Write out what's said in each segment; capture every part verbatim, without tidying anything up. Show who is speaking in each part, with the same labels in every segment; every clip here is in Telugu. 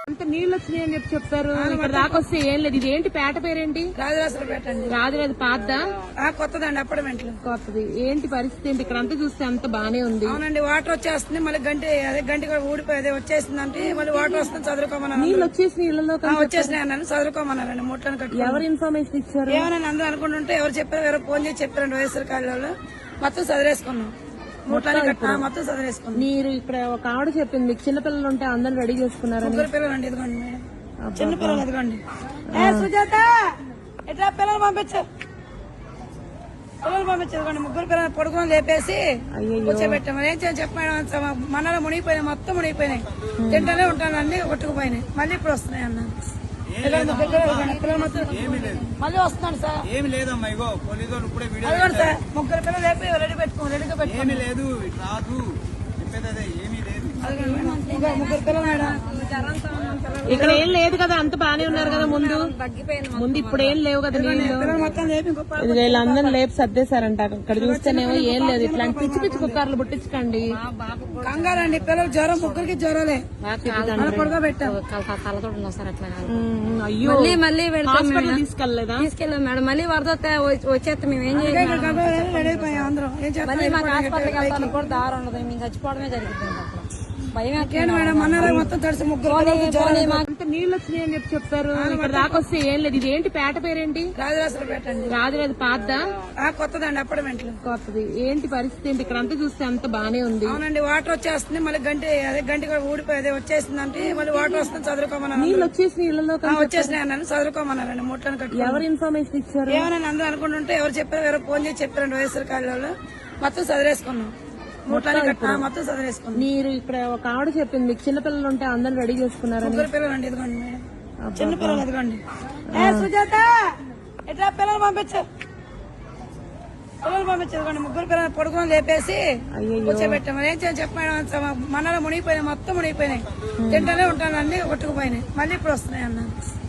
Speaker 1: అంత నీళ్ళు వచ్చినాయి అని చెప్పి చెప్పారు. ఇక్కడ దాకా వస్తే ఏం లేదు. ఇదేంటి పేట పేరేంటి?
Speaker 2: రాజరాజపేట అండి.
Speaker 1: రాజరాజు పాతదా?
Speaker 2: కొత్తదండి, అపార్ట్మెంట్లు
Speaker 1: కొత్తది. ఏంటి పరిస్థితి ఏంటి? ఇక్కడ అంతా చూస్తే అంత బానే ఉంది.
Speaker 2: అవునండి, వాటర్ వచ్చేస్తుంది. మళ్ళీ గంట అదే గంట కూడా ఊడిపోయి వచ్చేసింది అంటే మళ్ళీ వాటర్ వస్తుంది. చదువుకోమన్నారు.
Speaker 1: నీళ్ళు వచ్చేసి ఇళ్లలో
Speaker 2: వచ్చేసినాయి అన్నాను. చదువుకోమన్నారండి. ముట్లను కట్టి
Speaker 1: ఎవరు ఇన్ఫర్మేషన్ ఇచ్చారు?
Speaker 2: ఏమన్నా అందరూ అనుకుంటుంటే ఎవరు చెప్పారు, ఎవరో ఫోన్ చేసి చెప్పారండి. వైఎస్ఆర్ కాలంలో మొత్తం చదివేసుకున్నాం. ముట్లని కట్టినా మొత్తం చదివేసుకున్నాం.
Speaker 1: మీరు ఇక్కడ ఒక ఆవిడ చెప్పింది మీకు చిన్నపిల్లలు ఉంటే అందరిని రెడీ చేసుకున్నారని.
Speaker 2: ముగ్గురు పిల్లలు అండి, ఇదిగోండి మేడం. చిన్న పిల్లలు ఇదిగోండి. ఏ సుజాత ఎట్లా పిల్లలు పంపించారు, పిల్లలు పంపించారు. ఇదిగోండి ముగ్గురు పిల్లలు పడుకుని లేపేసి కూర్చోబెట్టాము. ఏం చేయాలి చెప్పాను. మనలో మునిగిపోయినాయి, మొత్తం మునిగిపోయినాయి. తింటూనే ఉంటాను అన్ని కొట్టుకుపోయినాయి. మళ్ళీ ఇప్పుడు వస్తున్నాయి అన్న. మళ్ళీ వస్తున్నాడు సార్.
Speaker 3: ఏమి లేదమ్మా, ఇగో పోలీసు వాళ్ళు ఇప్పుడే వీడియో
Speaker 2: అదిగోండి సార్. ముగ్గురు పిల్లలు లేపి రెడీ పెట్టుకోండి, రెడీగా పెట్టుకోండి.
Speaker 3: ఏమి లేదు, ఇటు రాదు చెప్పేది అదే, ఏమీ లేదు.
Speaker 2: ముగ్గురు పిల్లలు మేడం.
Speaker 1: ఇక్కడ ఏం లేదు కదా, అంత బానే ఉన్నారు కదా ముందు ముందు ఇప్పుడు ఏం లేవు కదా నీళ్ళు.
Speaker 2: మొత్తం లేపి
Speaker 1: ఇది వీళ్ళందరూ లేపు సర్దేశారంట. ఇక్కడ చూస్తేనేమో ఏం లేదు. ఇట్లాంటి పిచ్చి పిచ్చి కుక్కర్లు పుట్టించకండి.
Speaker 2: కంగారు అండి, పిల్లలు జ్వరం, ముగ్గురికి జ్వరాలే. పొడగా పెట్టాం.
Speaker 1: అయ్యో మళ్ళీ హాస్పిటల్ తీసుకెళ్లేదా?
Speaker 4: తీసుకెళ్ళాం మేడం. మళ్ళీ వరద వచ్చేస్తే మేము ఏం చేయాలి?
Speaker 2: రెడీ అయిపోయాం అందరం. ఏం చేస్తాం?
Speaker 4: మాకు హాస్పిటల్కి వెళ్తాను కూడా దారి ఉండదు. మేము చచ్చిపోవడమే జరుగుతుంది. భయం
Speaker 2: మేడం. మొన్న మొత్తం తడిసి ముగ్గురు
Speaker 1: అంత నీళ్ళు వచ్చినాయి అని చెప్పి చెప్పారు. ఇక్కడ దాకా వస్తే ఏం లేదు. ఇదేంటి పేట పేరేంటి?
Speaker 2: రాజరాజపేట అండి.
Speaker 1: రాజరాజు పాతదా?
Speaker 2: కొత్తదండి, అపార్ట్మెంట్లు.
Speaker 1: కొత్తది. ఏంటి పరిస్థితి ఏంటి? ఇక్కడ అంతా చూస్తే అంత బానే ఉంది.
Speaker 2: అవునండి, వాటర్ వచ్చేస్తుంది. మళ్ళీ గంట అదే గంట కూడా ఊడిపోయి అదే వచ్చేసింది అంటే మళ్ళీ వాటర్ వస్తుంది. చదువుకోమన్నారు.
Speaker 1: నీళ్ళు వచ్చేసి ఇళ్లలో
Speaker 2: వచ్చేసినాయి అన్నాను. చదువుకోమన్నారండి. ముట్లను కట్టి
Speaker 1: ఎవరు ఇన్ఫర్మేషన్ ఇచ్చారు?
Speaker 2: ఏమన్నా అందరూ అనుకుంటుంటే ఎవరు చెప్పారు, ఎవరో ఫోన్ చేసి చెప్పారండి. వైఎస్ఆర్ కాలంలో మొత్తం చదివేసుకున్నాం. ముట్లని కట్టినా మొత్తం చదివేసుకున్నాం.
Speaker 1: మీరు ఇక్కడ ఒక ఆవిడ చెప్పింది మీకు చిన్నపిల్లలు ఉంటే అందరిని రెడీ చేసుకున్నారని.
Speaker 2: ముగ్గురు పిల్లలు అండి, ఇదిగోండి మేడం. చిన్న పిల్లలు ఇదిగోండి. ఏ సుజాత ఎట్లా పిల్లలు పంపించారు, పిల్లలు పంపించారు. ఇదిగోండి ముగ్గురు పిల్లలు పడుకుని లేపేసి కూర్చోబెట్టాము. ఏం చేయాలి చెప్పాను. మనలో మునిగిపోయినాయి, మొత్తం మునిగిపోయినాయి. తింటూనే ఉంటాను అన్ని కొట్టుకుపోయినాయి. మళ్ళీ ఇప్పుడు వస్తున్నాయి అన్న.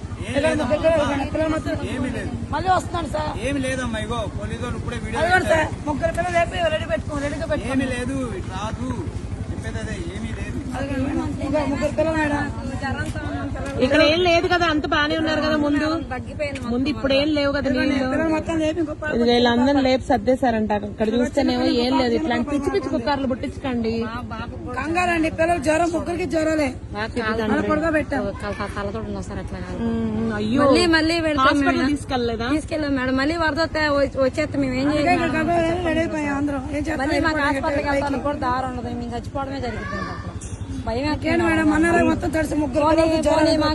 Speaker 2: మళ్ళీ వస్తున్నాడు సార్.
Speaker 3: ఏమి లేదమ్మా, ఇగో పోలీసు వాళ్ళు ఇప్పుడే వీడియో
Speaker 2: అదిగోండి సార్. ముగ్గురు పిల్లలు లేపి రెడీ పెట్టుకోండి, రెడీగా పెట్టుకోండి.
Speaker 3: ఏమి లేదు, ఇటు రాదు చెప్పేది అదే, ఏమీ లేదు.
Speaker 2: ముగ్గురు పిల్లలు మేడం.
Speaker 1: ఇక్కడ ఏం లేదు కదా, అంత బానే ఉన్నారు కదా ముందు ముందు ఇప్పుడు ఏం లేవు కదా నీళ్ళు.
Speaker 2: మొత్తం లేపి
Speaker 1: ఇది వీళ్ళందరూ లేపు సర్దేశారంట. ఇక్కడ చూస్తేనేమో ఏం లేదు. ఇట్లాంటి పిచ్చి పిచ్చి కుక్కర్లు పుట్టించకండి.
Speaker 2: కంగారు అండి, పిల్లలు జ్వరం, ముగ్గురికి జ్వరాలే. పొడగా పెట్టాం.
Speaker 1: అయ్యో
Speaker 4: మళ్ళీ మళ్ళీ
Speaker 1: హాస్పిటల్ తీసుకెళ్లేదా?
Speaker 4: తీసుకెళ్ళాం మేడం. మళ్ళీ వరద వచ్చేస్తే మేము ఏం చేయాలి?
Speaker 2: రెడీ అయిపోయాం అందరం. ఏం చేస్తాం?
Speaker 4: మళ్ళీ మాకు హాస్పిటల్కి వెళ్తాను కూడా దారి ఉండదు. మేము చచ్చిపోవడమే జరుగుతుంది. భయం
Speaker 2: మేడం. మొన్న మొత్తం తడిసి ముగ్గురు